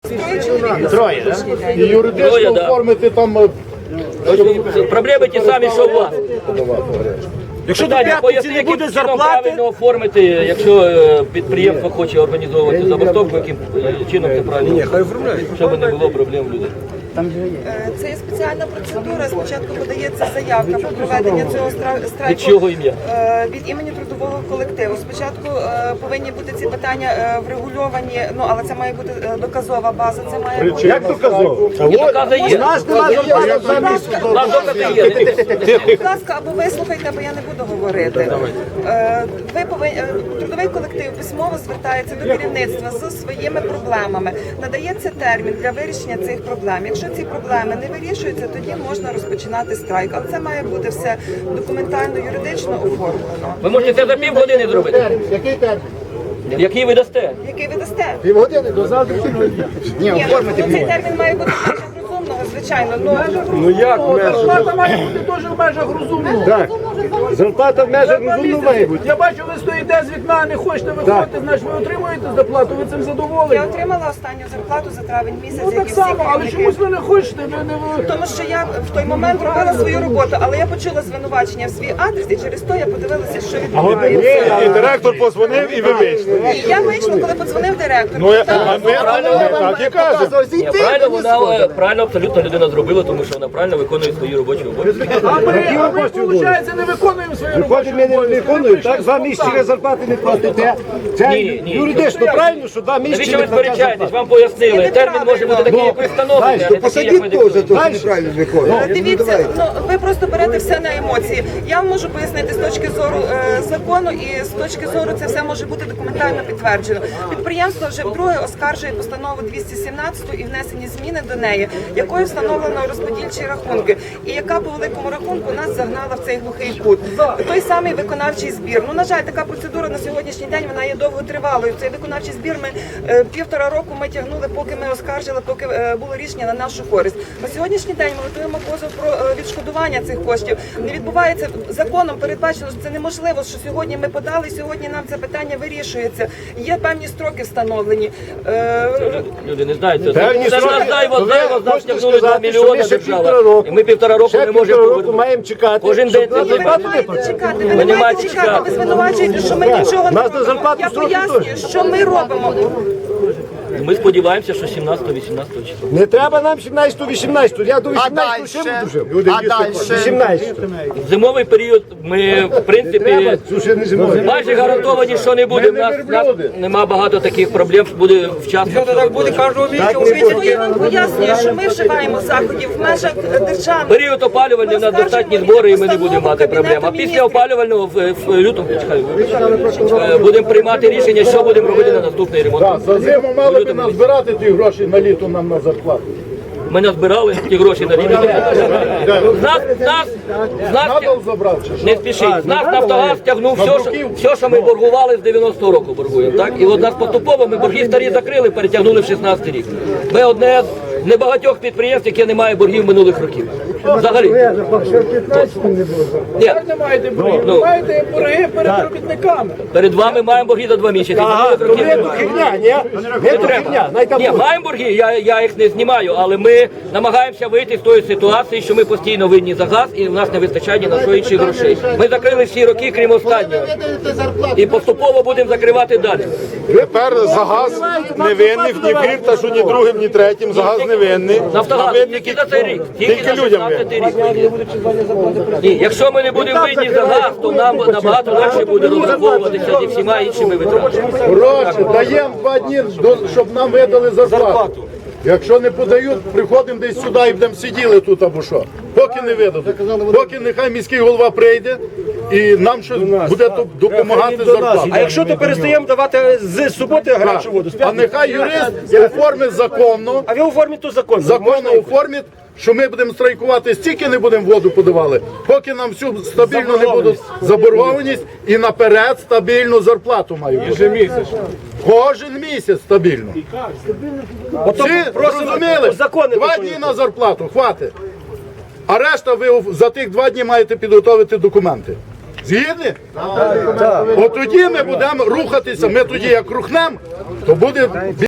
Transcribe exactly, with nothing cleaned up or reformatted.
Троє, так? І юридично оформити там... Проблеми ті самі, що у вас. Якщо до п'ятниці не буде зарплати, правильно оформити, якщо е, підприємство хоче організовувати забастовку, яким е, чином це правильно, щоб не було проблем у людей. Це є спеціальна процедура. Спочатку подається заявка про проведення цього стра- страйку Від чого ім'я? е, від імені трудового колективу. Спочатку е, повинні бути ці питання е, врегульовані, ну але це має бути е, доказова база. Це має бути Як доказав? І докази є. нас немає зарплати. У нас докази є. будь ласка, або вислухайте, або я не буду говорити. Е, Ви повинні е, трудовий колектив письмово звертається до керівництва з своїми проблемами. Надається термін для вирішення цих проблем. Якщо ці проблеми не вирішуються, тоді можна розпочинати страйк. Але це має бути все документально, юридично оформлено. Ви можете це за півгодини зробити. Який термін? Який ви дасте? Який ви дасте? Півгодини до завтрашнього дня. Ні, Ні, оформити ну, цей можна. термін має бути в межах розумного, звичайно. Ну, Ну як Зарплата має бути теж в межах розумного. Так. Зарплата в межах розумно має бути. Я бачу, ви стоїте з вікна, не хочете виходити, значить ви отримуєте зарплату, ви цим я задоволені. отримала останню зарплату за травень місяць, Ну як так і всі само, але керівники. чомусь ви не хочете, ви не ви. Тому що я в той момент робила свою роботу, але я почула звинувачення в свій адрес, і через то я подивилася, що відбувається. І директор позвонив, і ви вийшли. І я вийшла, коли подзвонив директор. Ну, а ми так і кажемо. Ні, правильно, вона е, правильно абсолютно людина зробила, тому що вона правильно виконує свої робочі обов'язки. А ми, а ми, виходить, не виконуємо свої робочі Виходить, ми не виконуємо, так, два місяці зарплати не платите. Це Ні, ні. юридично правильно, що два місяці Навіщо не ви платите сперечаєтесь? Вам пояснили. Термін може бути такий, як ви встановлюєте, а не такий, як ми диктуємо. неправильно виконує. Е, Дивіться, ну ви просто берете все на емоції. Я вам можу пояснити з точки зору е, закону, і з точки зору це все може бути документально підтверджено. Підприємство вже вдруге оскаржує постанову двісті сімнадцять і внесені зміни до неї, якою встановлено розподільчі рахунки, і яка по великому рахунку нас загнала в цей глухий кут. Той самий виконавчий збір. Ну на жаль, така процедура на сьогоднішній день вона є довготривалою. Цей виконавчий збір ми е, півтора року ми тягнули, поки ми оскаржили, поки е, було рішення на нашу користь. На сьогоднішній день ми готуємо позов про е, відшкодування цих коштів. Не відбувається законом, передбачено, що це неможливо, що сьогодні ми подали, і сьогодні нам це питання вирішується. Є певні строки встановлені. Е, Люди не знають це. Певні Це ж строки. нас дай вас, Ви дай вас, нас хочете тягнули два сказати, що мільйони ми ще держава. півтора року- І ми півтора року Ще не можемо півтора року повернути. маємо чекати. Кожен щоб день на це Ви не зарплату не маєте платити. чекати, ви Ви не не маєте маєте чекати, чекати. ви звинувачуєте, що ми нічого не Нас на робимо. зарплату Я строки пояснюю, що ми робимо. Ми сподіваємося, що сімнадцятого-вісімнадцятого числа. Не треба нам сімнадцятого-вісімнадцятого. Я до вісімнадцятого ще дальше? буду жив. А дальше? вісімнадцятого. В зимовий період ми, в принципі, Слушай, не зимою. майже гарантовані, що не буде. У нас, у нас нема багато таких проблем, що буде вчасно. Так буде кожного Тому я вам пояснюю, що ми вживаємо заходів в межах держави. Період опалювальний у нас достатні збори, і ми не будемо мати проблем. А після опалювального в, в лютому чекаю, е, будемо приймати рішення, що будемо робити на наступний ремонт. Так, за зиму мали б назбирати ті гроші на літо нам на зарплату. Ми назбирали ті гроші на рівні. З нас, з нас, з нас, Надал забрав чи що? не спішіть, з нас Нафтогаз тягнув все, що, все, що ми боргували з дев'яностого року боргуємо. Так? І от нас поступово ми борги старі закрили, перетягнули в шістнадцятий рік. Ми одне з небагатьох підприємств, яке не має боргів минулих років. Взагалі. Ні, не маєте борги, Ну. ви маєте борги перед робітниками. перед вами маємо борги за два місяці. Ага, Минулих то років не не то було. херня, ні? Не то херня, най там Ні, буде. маємо борги, я, я їх не знімаю, але ми намагаємося вийти з тої ситуації, що ми постійно винні за газ і в нас не вистачає ні на що інших грошей. Ми закрили всі роки, крім останнього. І поступово будемо закривати далі. Тепер за газ не винних ні Фірташу, ні другим, ні третім. За газ не винний. Нафтогаз Винні тільки за цей рік. Тільки за людям винні. шістнадцятий рік. Ні, якщо ми не будемо винні за газ, то нам набагато легше буде розраховуватися зі всіма іншими витратами. Гроші, даємо два дні, до- щоб нам видали зарплату. Якщо не подають, приходимо десь сюди і будемо сиділи тут або що. Поки не видадуть. Поки нехай міський голова прийде і нам щось буде тут допомагати зарплату. А якщо то перестаємо давати з суботи гарячу воду, з А п'ятниці, нехай юрист оформить законно, а ви оформіть то закон. законно оформить, що ми будемо страйкувати, стільки не будемо воду подавали, поки нам всю стабільно не будуть заборгованість і наперед стабільну зарплату мають. Кожен місяць стабільно. Всі зрозуміли? закони Два виконуйте. дні на зарплату, хватить. А решта ви за тих два дні маєте підготовити документи. Згідні? От тоді ми будемо рухатися, ми тоді як рухнемо, то буде